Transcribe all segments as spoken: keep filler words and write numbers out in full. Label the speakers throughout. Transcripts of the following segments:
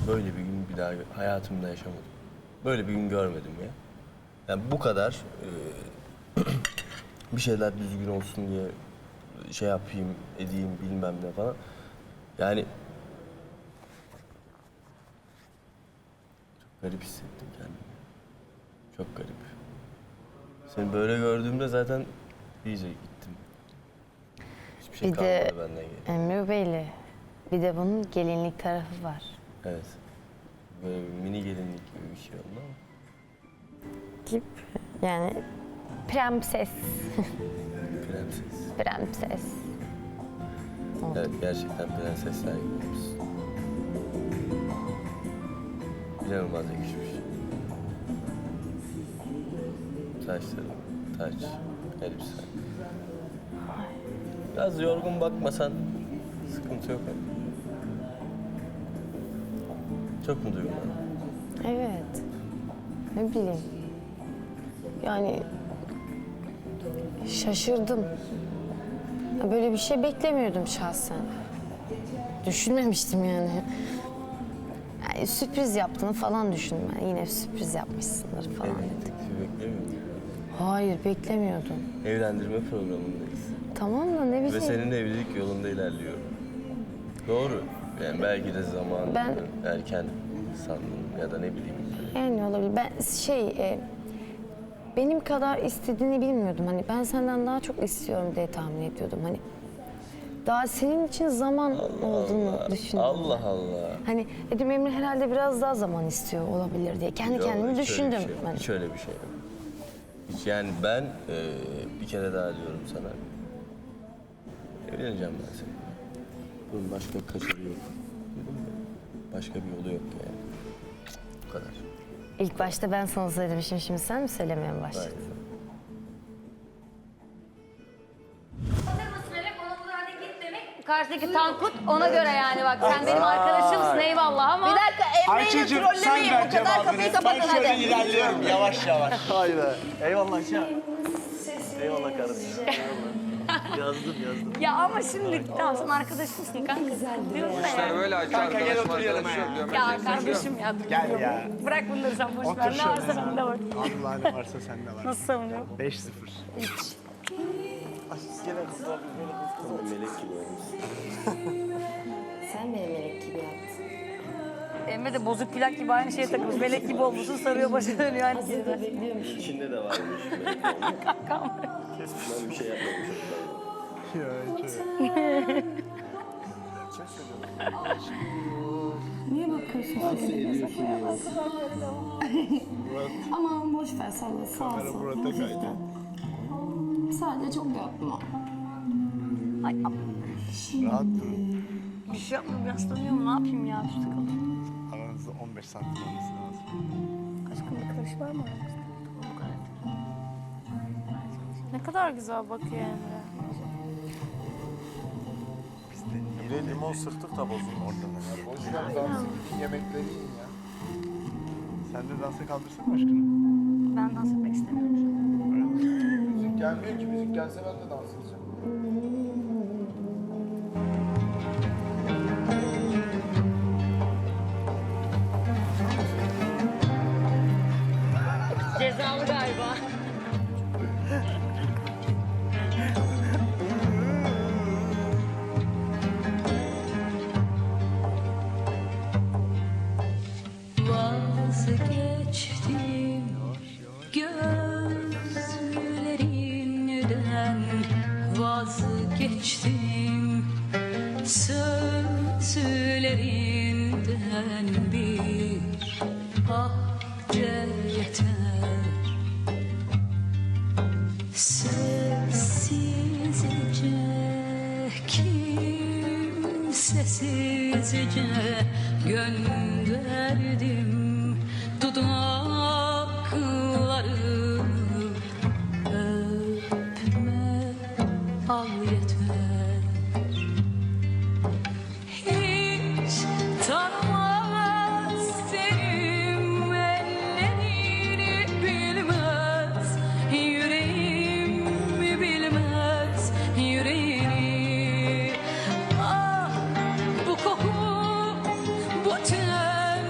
Speaker 1: böyle bir gün bir daha hayatımda yaşamadım. Böyle bir gün görmedim ya. Yani bu kadar e, bir şeyler düzgün olsun diye şey yapayım, edeyim bilmem ne falan. Yani çok garip hissettim kendimi. Çok garip. Seni böyle gördüğümde zaten iyice gittim. Hiçbir şey
Speaker 2: Bir de
Speaker 1: kalmadı benden geri.
Speaker 2: Emre Bey'le bir de bunun gelinlik tarafı var.
Speaker 1: Evet. Böyle bir mini gelinlik gibi bir şey oldu ama.
Speaker 2: Gibi. Yani prenses.
Speaker 1: Prenses.
Speaker 2: Prenses. Oldu.
Speaker 1: Evet, gerçekten prensesler gibiyiz. İnanılmaz yakışmış. Saçları, taç, elbise. Biraz yorgun bakmasan sıkıntı yok ama. Çok mu duygulandın?
Speaker 2: Evet. Ne bileyim. Yani şaşırdım. Böyle bir şey beklemiyordum şahsen. Düşünmemiştim yani. Yani sürpriz yaptığını falan düşündüm. Yani yine sürpriz yapmışsındır falan
Speaker 1: Evet,
Speaker 2: dedim.
Speaker 1: teklifi beklemiyordum.
Speaker 2: Hayır, beklemiyordum.
Speaker 1: Evlendirme programındayız.
Speaker 2: Tamam da ne
Speaker 1: Ve
Speaker 2: bileyim.
Speaker 1: senin evlilik yolunda ilerliyor. Doğru. Yani belki de zamanı
Speaker 2: Ben-
Speaker 1: erken sandım ya da ne bileyim.
Speaker 2: Yani olabilir. Ben şey, e, benim kadar istediğini bilmiyordum. Hani ben senden daha çok istiyorum diye tahmin ediyordum. Hani daha senin için zaman olduğunu
Speaker 1: Allah,
Speaker 2: düşündüm.
Speaker 1: Allah Allah.
Speaker 2: Hani dedim Emre herhalde biraz daha zaman istiyor olabilir diye. Kendi
Speaker 1: Yok,
Speaker 2: kendimi
Speaker 1: hiç öyle
Speaker 2: düşündüm.
Speaker 1: bir şey yok.
Speaker 2: Hani.
Speaker 1: Hiç öyle bir şey yok. Hiç yani ben e, bir kere daha diyorum sana. Evleneceğim ben seninle. Bunun başka kaçarı yok. Başka bir yolu yok yani. Bu kadar.
Speaker 2: İlk başta ben sana söylemişim, şimdi sen mi söylemeye mi başladın?
Speaker 1: Aynen.
Speaker 3: Hazır mısın Melek? Ona bu hareket demek. Karşıdaki Tankut ona göre yani bak sen benim arkadaşımsın eyvallah ama.
Speaker 4: Bir dakika Emre'yle
Speaker 5: Ayça'cığım sen
Speaker 4: trollemeyin.
Speaker 5: ver
Speaker 4: O kadar
Speaker 5: cevabını.
Speaker 4: kapıyı
Speaker 5: Ben
Speaker 4: kapatın
Speaker 5: şöyle
Speaker 4: hadi.
Speaker 5: ilerliyorum yavaş yavaş. Hay be. Eyvallah Ayça. Eyvallah kardeşim. Eyvallah. Yazdım yazdım.
Speaker 3: Ya ama şimdi tamam sen arkadaşımsın kanka. Diyorum da
Speaker 6: İşler
Speaker 3: yani.
Speaker 6: böyle Ayça
Speaker 5: Kanka gel
Speaker 6: arkadaşım
Speaker 5: otur yanıma
Speaker 6: arkadaşım diyorum.
Speaker 3: Ya kardeşim ya.
Speaker 5: Gel ya.
Speaker 3: Bırak bunları sen boş
Speaker 5: Otur
Speaker 3: ver. Ne
Speaker 5: şöyle.
Speaker 3: varsa bende var.
Speaker 5: Allah ne varsa sende var.
Speaker 3: Nasıl savunuyor?
Speaker 5: beş sıfır. Ay gene kızlar.
Speaker 1: Melek gibi olmuş.
Speaker 2: Sen beni melek gibi yaptın.
Speaker 3: Emre de bozuk plak gibi aynı şeye takılmış. Melek gibi olmuşsun sarıyor başına dönüyor aynı şeyde.
Speaker 1: İçinde de varmış melek olmuş.
Speaker 3: Kankam.
Speaker 1: Ben bir şey yapmamışım.
Speaker 5: Ya Ayça.
Speaker 7: Niye bakıyorsun?
Speaker 1: Nasıl ediyorsun ya?
Speaker 7: Aman boş ver salla sağ
Speaker 5: Kamera
Speaker 7: sol.
Speaker 5: Murat'a kaydı.
Speaker 7: Sadece çok yapma.
Speaker 3: Ay
Speaker 5: Rahat durun.
Speaker 3: bir şey yapmıyorum biraz tanıyorum ne yapayım ya üstü kalın.
Speaker 5: Aranızda on beş santim olması lazım.
Speaker 3: Aşkım bir karış var mı aramızda? Bu kadar.
Speaker 8: Ne kadar güzel bakıyor Emre.
Speaker 5: Biz de niye limon sıktık da bozuldu ortadan. Boş ver dansın yemekleri yiyin ya. Sen de dansa kaldırsana aşkını.
Speaker 3: Ben dans etmek istemiyorum şu an.
Speaker 9: Müzik gelmiyor ki. Müzik gelse ben de dans edeceğim.
Speaker 3: Cezalı galiba.
Speaker 10: Vazgeçtim gözlerinden, vazgeçtim sözlerinden, bir ahde yeter. Sessizce, kimsesizce gönderdim dudaklarımı, öpme al yeter. Hiç tanımaz senin ellerini, bilmez yüreğim bilmez yüreğini. Ah bu koku, bu ten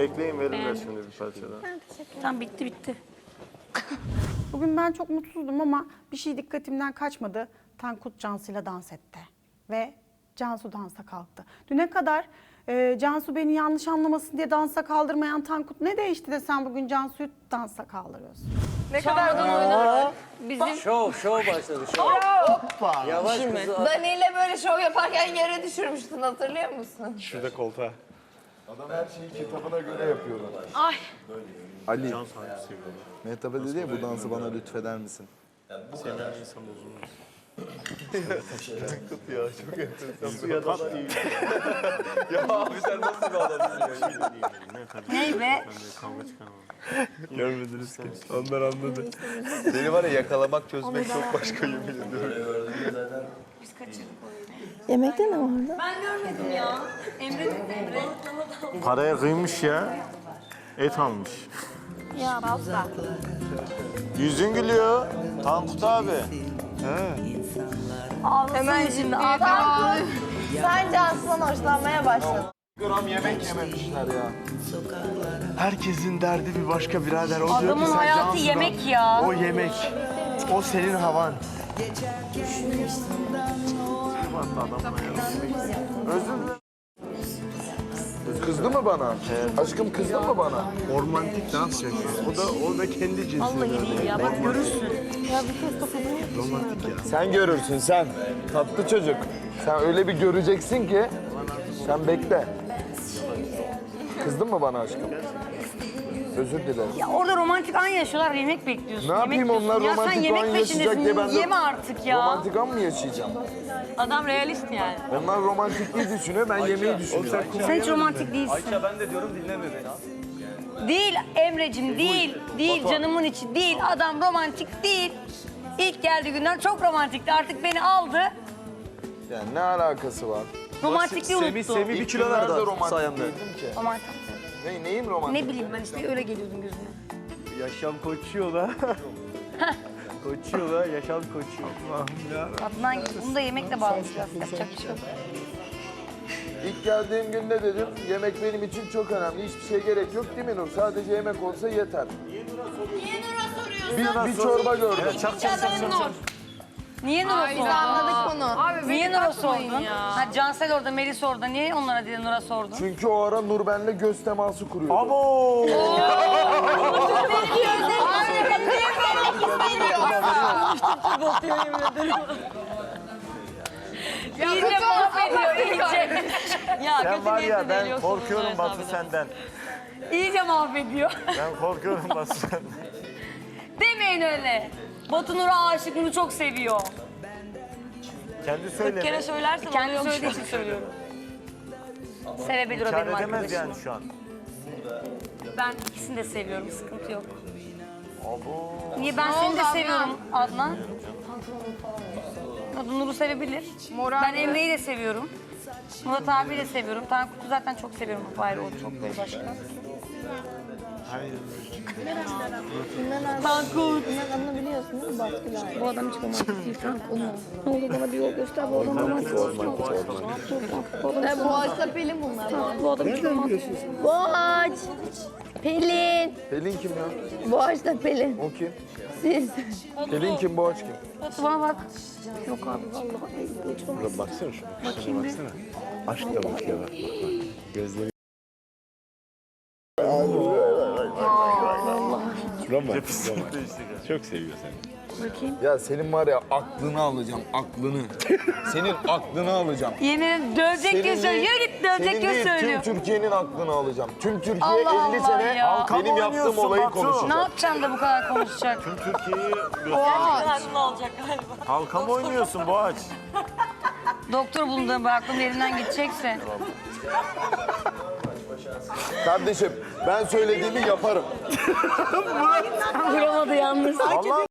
Speaker 5: Bekleyin verirler şimdi bir parça daha.
Speaker 8: Tamam bitti bitti.
Speaker 4: Bugün ben çok mutsuzdum ama bir şey dikkatimden kaçmadı. Tankut Cansu'yla dans etti. Ve Cansu dansa kalktı. Düne kadar e, Cansu beni yanlış anlamasın diye dansa kaldırmayan Tankut ne değişti de sen bugün Cansu'yu dansa kaldırıyorsun?
Speaker 3: Ne kadar oynadık. Bizim
Speaker 6: Şov, şov başladı şov. Yavaş kızı.
Speaker 3: Dani'yle böyle şov yaparken yere düşürmüştün, hatırlıyor musun?
Speaker 5: Şurada koltuğa.
Speaker 9: Adam her şeyi kitabına göre yapıyor.
Speaker 3: Ay.
Speaker 9: Ali. Mehtap'a dedi ya bu dansı bana lütfeder misin?
Speaker 5: Senin insan bozulmaz. Tankut ya çok enteresan. Suya da iyi. Ya abi sen nasıl bir adamsın ya?
Speaker 3: Ney be?
Speaker 5: Kavga çıkarmam. Görmediniz ki. Onlar anladı. Seni var ya yakalamak, çözmek çok başka yemin ediyorum.
Speaker 7: Yemekte ne vardı?
Speaker 3: Ben görmedim ya. Emre de Emre.
Speaker 5: Paraya kıymış ya. Et almış.
Speaker 3: Ya Balsa.
Speaker 5: Yüzün gülüyor. Tankut abi.
Speaker 3: Hemen şimdi adam. Sen Cansu'dan hoşlanmaya başladın.
Speaker 9: Gram yemek yememişler ya. Herkesin derdi bir başka birader. O diyor ki
Speaker 3: Adamın
Speaker 9: sen
Speaker 3: hayatı
Speaker 9: Cansu'dan-
Speaker 3: yemek ya.
Speaker 9: O yemek. O senin havan. Özür dilerim. Kızdı mı bana? Aşkım kızdı mı bana? Ormantik dans yapıyor. O da o da kendi cinsine.
Speaker 3: Vallahi ya bak görürsün.
Speaker 9: Romantik ya. Sen görürsün sen. Tatlı çocuk. Sen öyle bir göreceksin ki. Sen bekle. Kızdın mı bana aşkım? Özür dilerim.
Speaker 3: Ya orada romantik an yaşıyorlar, yemek bekliyorsun.
Speaker 9: Ne yapayım
Speaker 3: yemek
Speaker 9: onlar
Speaker 3: yiyorsun.
Speaker 9: romantik
Speaker 3: ya
Speaker 9: an
Speaker 3: sen yemek
Speaker 9: yaşayacak diye
Speaker 3: peşindesin,
Speaker 9: ben de...
Speaker 3: yeme artık ya.
Speaker 9: Romantik an mı yaşayacağım?
Speaker 3: Adam realist yani.
Speaker 9: Onlar romantikliği düşünüyor, ben yemeği düşünüyorum.
Speaker 3: Sen hiç romantik değilsin.
Speaker 6: Ayça ben de diyorum dinleme beni.
Speaker 3: Değil Emre'cim, değil. Değil canımın içi, değil. Adam romantik değil. İlk geldiği günden çok romantikti. Artık beni aldı.
Speaker 9: Yani ne alakası var?
Speaker 3: Romantikliği unuttu.
Speaker 6: Semih bir kilo verdi sayemde.
Speaker 9: Romantik. Ne, neyim romantik?
Speaker 3: Ne bileyim ben işte öyle geliyordum gözüme.
Speaker 5: Yaşam koçuyor la. Koçuyor la, yaşam koçuyor. Allah'ım ya.
Speaker 3: Adnan bunu da yemekle bağlayacağız. Yapacak bir şey yok.
Speaker 9: İlk geldiğim gün ne dedim? Yemek benim için çok önemli. Hiçbir şey gerek yok değil mi Nur? Sadece yemek olsa yeter.
Speaker 3: Niye Nur'a soruyorsun?
Speaker 9: Bir, bir çorba gördüm.
Speaker 5: Çak çak çak çak.
Speaker 3: Niye Nur'a sordun?
Speaker 7: Anladık bunu.
Speaker 3: Abi niye Nur'a sordun? Ha, Cansel orada, Melis orada. Niye onlara değil Nur'a sordun?
Speaker 9: Çünkü o ara Nur benimle göz teması kuruyordu.
Speaker 5: Abo!
Speaker 3: İyice mahvediyor, iyice. Ya
Speaker 5: Sen
Speaker 3: kötü
Speaker 5: var ya
Speaker 3: niyetle
Speaker 5: ben
Speaker 3: deliyorsun
Speaker 5: korkuyorum
Speaker 3: bunları
Speaker 5: Batu
Speaker 3: hesabına.
Speaker 5: senden.
Speaker 3: İyice mahvediyor.
Speaker 5: Ben korkuyorum Batu senden.
Speaker 3: Demeyin öyle. Batu Nur'a aşık, Nur'u çok seviyor.
Speaker 5: Kendi söyleme.
Speaker 3: söylersen Kendi söylediği için söylüyorum. Sevebilir o
Speaker 5: Kâr
Speaker 3: benim
Speaker 5: edemez
Speaker 3: arkadaşım.
Speaker 5: yani şu an.
Speaker 3: Ben ikisini de seviyorum, sıkıntı yok.
Speaker 5: Abo.
Speaker 3: Niye ben seni de seviyorum Adnan? O da Nur'u sevebilir. Ben Emre'yi de seviyorum. Murat abiyi de seviyorum. Tankut'u zaten çok seviyorum. Bu ayrı, o çok böyle başka. Tankut.
Speaker 7: Bunların adını biliyorsun değil mi? Baskılar. Bu adam hiç romantik değil. Sen onu. Ne olur bana bir yol göster. Bu adam romantik değil. Bu adam Boğaç'ta Pelin bunlar. Bu adam hiç romantik değil. Boğaç. Pelin.
Speaker 9: Pelin kim ya?
Speaker 7: Boğaç'ta Pelin.
Speaker 9: O kim?
Speaker 7: Siz.
Speaker 9: Pelin kim, Boğaç kim?
Speaker 3: Batu bana bak.
Speaker 7: Yok abi vallahi. Bu hiç romantik.
Speaker 5: Baksana şuna. Şuna baksana. Aşk da bakıyor bak. Gözleri. Romantik. Çok seviyor seni.
Speaker 9: Ya senin var ya aklını alacağım, aklını. Senin aklını alacağım.
Speaker 3: Yemin ederim dövecek
Speaker 9: Senin
Speaker 3: göz söylüyor. Yürü git dövecek
Speaker 9: senin
Speaker 3: göz
Speaker 9: değil,
Speaker 3: söylüyor.
Speaker 9: Tüm Türkiye'nin aklını alacağım. Tüm Türkiye
Speaker 3: Allah
Speaker 9: elli
Speaker 3: Allah
Speaker 9: sene
Speaker 3: ya.
Speaker 9: benim
Speaker 5: Halka mı
Speaker 9: yaptığım
Speaker 5: oynuyorsun
Speaker 9: olayı
Speaker 5: Batu?
Speaker 3: Ne
Speaker 9: konuşacak.
Speaker 3: yapacağım da bu kadar konuşacak?
Speaker 5: Türkiye'yi
Speaker 3: Aklını alacak galiba.
Speaker 5: halka mı oynuyorsun Boğaç?
Speaker 3: Doktor bulunduğum aklım yerinden gidecekse.
Speaker 9: Kardeşim ben söylediğimi yaparım.
Speaker 3: Vuramadı yalnız.
Speaker 5: Allah